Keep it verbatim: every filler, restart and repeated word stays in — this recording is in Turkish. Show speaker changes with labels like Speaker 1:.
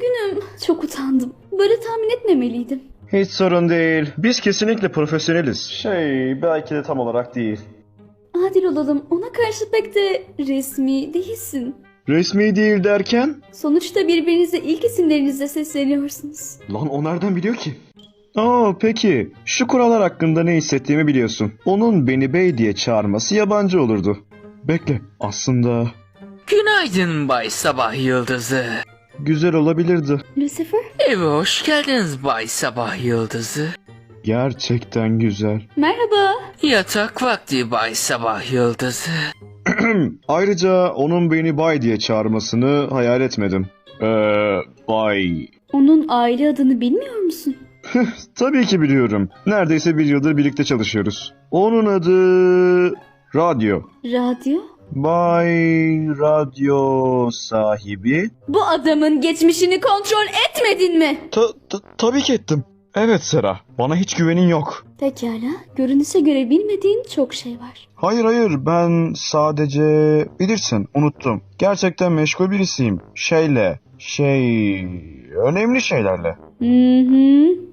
Speaker 1: Üzgünüm. Çok utandım. Böyle tahmin etmemeliydim.
Speaker 2: Hiç sorun değil. Biz kesinlikle profesyoneliz. Şey, belki de tam olarak değil.
Speaker 1: Adil olalım. Ona karşı pek de resmi değilsin.
Speaker 2: Resmi değil derken?
Speaker 1: Sonuçta birbirinize ilk isimlerinizle sesleniyorsunuz.
Speaker 2: Lan o nereden biliyor ki? Aa peki. Şu kurallar hakkında ne hissettiğimi biliyorsun. Onun beni bey diye çağırması yabancı olurdu. Bekle. Aslında...
Speaker 3: Günaydın Bay Sabah Yıldızı.
Speaker 2: Güzel olabilirdi.
Speaker 1: Lucifer?
Speaker 3: Eve hoş geldiniz Bay Sabah Yıldızı.
Speaker 2: Gerçekten güzel.
Speaker 1: Merhaba.
Speaker 3: Yatak vakti Bay Sabah Yıldızı.
Speaker 2: Ayrıca onun beni bay diye çağırmasını hayal etmedim. Eee bay.
Speaker 1: Onun aile adını bilmiyor musun?
Speaker 2: Tabii ki biliyorum. Neredeyse bir yıldır birlikte çalışıyoruz. Onun adı... Radyo.
Speaker 1: Radyo?
Speaker 2: Bay Radyo sahibi.
Speaker 1: Bu adamın geçmişini kontrol etmedin mi?
Speaker 2: Ta- ta- tabii ki ettim. Evet Sera, bana hiç güvenin yok.
Speaker 1: Pekala. Görünüşe göre bilmediğin çok şey var.
Speaker 2: Hayır hayır, ben sadece... Bilirsin, unuttum. Gerçekten meşgul birisiyim. Şeyle, şey... Önemli şeylerle.
Speaker 1: Hı hı.